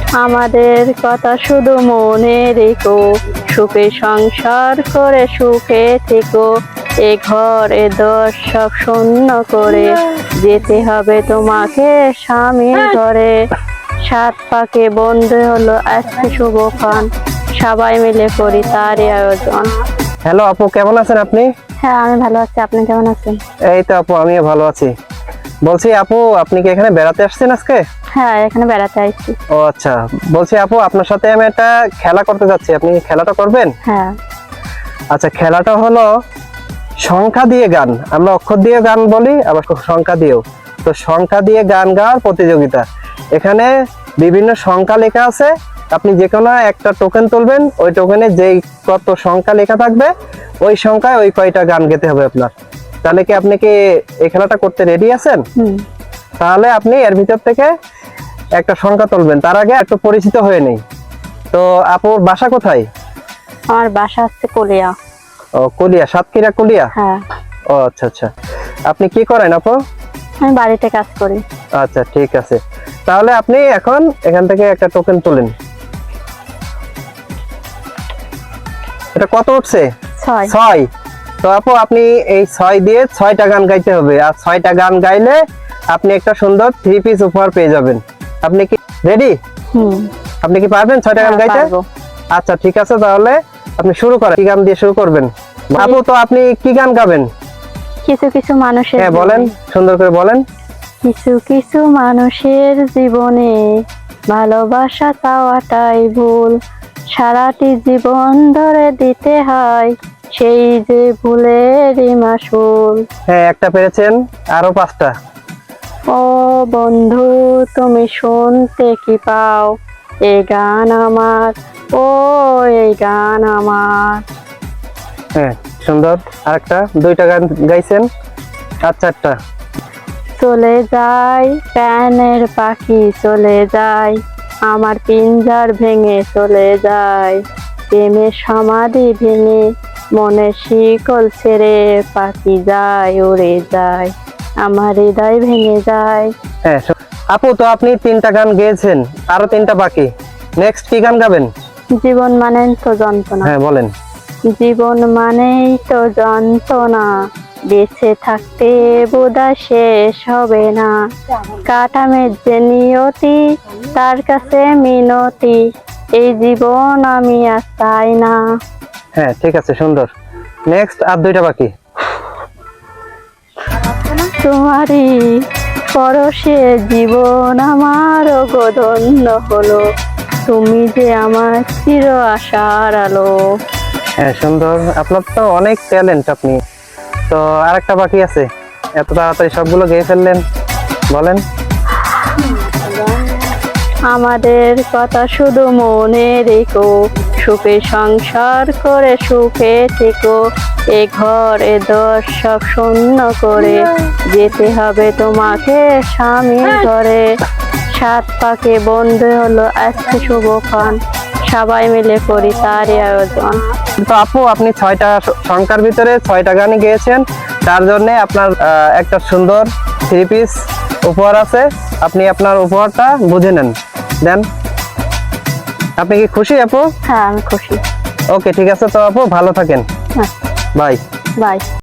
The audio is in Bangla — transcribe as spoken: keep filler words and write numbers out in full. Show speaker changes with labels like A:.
A: আমাদের কথা শুধু মনে রেখো, সুখে সংসার করে সুখে থেকো। এ ঘর এ দর সব শূন্য করে যেতে হবে তোমাকে স্বামীর ঘরে। সাত পাকে বন্ধু হলো আজকে শুভক্ষণ, সবাই মিলে করি তারই আয়োজন।
B: হ্যালো আপু, কেমন আছেন আপনি?
A: হ্যাঁ আমি ভালো আছি, আপনি কেমন আছেন?
B: এই তো আপু, আমিও ভালো আছি। বলছি আপু, আপনি কি এখানে বেড়াতে আসছেন আজকে?
A: হ্যাঁ এখানে বেড়াতে আসছি।
B: ও আচ্ছা, বলছি আপু, আপনার সাথে আমি একটা খেলা করতে যাচ্ছি, আপনি খেলাটা করবেন?
A: হ্যাঁ।
B: আচ্ছা, খেলাটা হলো সংখ্যা দিয়ে গান। আমরা অক্ষর দিয়ে গান বলি, আবার সংখ্যা দিয়েও। তো সংখ্যা দিয়ে গান গাওয়ার প্রতিযোগিতা। এখানে বিভিন্ন সংখ্যা লেখা আছে, আপনি যে কোনো একটা টোকেন তুলবেন, ওই টোকেনে যেই কত সংখ্যা লেখা থাকবে ওই সংখ্যায় ওই কয়টা গান গেতে হবে আপনার। তাহলে কি আপনি কি এই খেলাটা করতে রেডি আছেন? তাহলে আপনি এর ভিতর থেকে একটা সংখ্যা তুলবেন। তার আগে একটু পরিচিত হয়ে নেই। তো আপুর বাসা কোথায়?
A: আমার বাসা হচ্ছে কলিয়া।
B: ও কলিয়া, সাতক্ষীরা কলিয়া।
A: হ্যাঁ।
B: ও আচ্ছা আচ্ছা, আপনি কি করেন আপু?
A: আমি বাড়িতে কাজ করি।
B: আচ্ছা ঠিক আছে, তাহলে আপনি এখন এখান থেকে একটা টোকেন তুলেন। এটা কত উঠছে?
A: ছয়।
B: ছয়। তো আপু, আপনি এই ছয় দিয়ে ছয়টা গান গাইতে হবে, আর ছয়টা গান গাইলে আপনি একটা সুন্দর থ্রি পিস উপহার পেয়ে যাবেন। আপনি কি রেডি?
A: হুম।
B: আপনি কি পারবেন ছয়টা গান গাইতে? আচ্ছা ঠিক আছে, তাহলে আপনি শুরু করেন। কি গান দিয়ে শুরু করবেন আপু? তো আপনি কি গান গাবেন?
A: কিছু কিছু মানুষের।
B: হ্যাঁ বলেন, সুন্দর করে বলেন।
A: কিছু কিছু মানুষের জীবনে ভালোবাসা চাওয়াটাই ভুল, সারাটি জীবন ধরে দিতে হয় সেই যে ভুলেরই মাসুল।
B: হ্যাঁ, একটা পেরেছেন, আরো পাঁচটা।
A: ও বন্ধু তুমি শুনতে কি পাও, এই গান আমার, ও এই গান আমার।
B: হ্যাঁ সুন্দর, আরেকটা, দুইটা গান গাইছেন, আর চারটা।
A: চলে যাই প্রাণের পাখি চলে যায়, আমার পিঞ্জার ভেঙে চলে যায়, প্রেমের সমাধি ভেঙে মনে শিকল ছেড়ে পাখি যায় উড়ে যায়, আমার হৃদয় ভেঙে যায়।
B: হ্যাঁ আপু, তো আপনি তিনটা গান গেয়েছেন, আরো তিনটা বাকি। নেক্সট কি গান গাবেন?
A: জীবন মানেই তো যন্ত্রণা।
B: হ্যাঁ বলেন।
A: জীবন মানেই তো যন্ত্রণা, বেঁচে থাকতে বোধহয় শেষ হবে না, কাটামের যে নিয়তি তার কাছে মিনতি, এই জীবন আমি আর চাই না।
B: হ্যাঁ ঠিক আছে, সুন্দর। নেক্সট আর দুইটা বাকি।
A: তোমারই পরশে জীবন আমার গধন্য হলো, তুমি যে আমার চির আশার আলো।
B: হ্যাঁ সুন্দর, আপনার তো অনেক ট্যালেন্ট আপনি। তো আরেকটা বাকি আছে, এত তাড়াতাড়ি সবগুলো গেয়ে ফেললেন, বলেন।
A: আমাদের কথা শুধু মনে রেখো, সুখে সংসার করে সুখে থেকো। এ ঘর এ দর সব শূন্য করে যেতে হবে তোমাকে স্বামীর ঘরে। সাত পাকে বন্ধু হলো আজকে শুভক্ষণ, সবাই মিলে করি তারই আয়োজন।
B: তো আপু, আপনি ছয়টা সংখ্যার ভিতরে ছয়টা গানই গেয়েছেন, তার জন্য আপনার একটা সুন্দর থ্রি পিস উপহার আছে। আপনি আপনার উপহারটা বুঝে নেন, দেন। আপনি কি খুশি আপু?
A: হ্যাঁ আমি খুশি।
B: ওকে ঠিক আছে, তো আপু ভালো থাকেন।
A: হ্যাঁ
B: বাই।
A: বাই।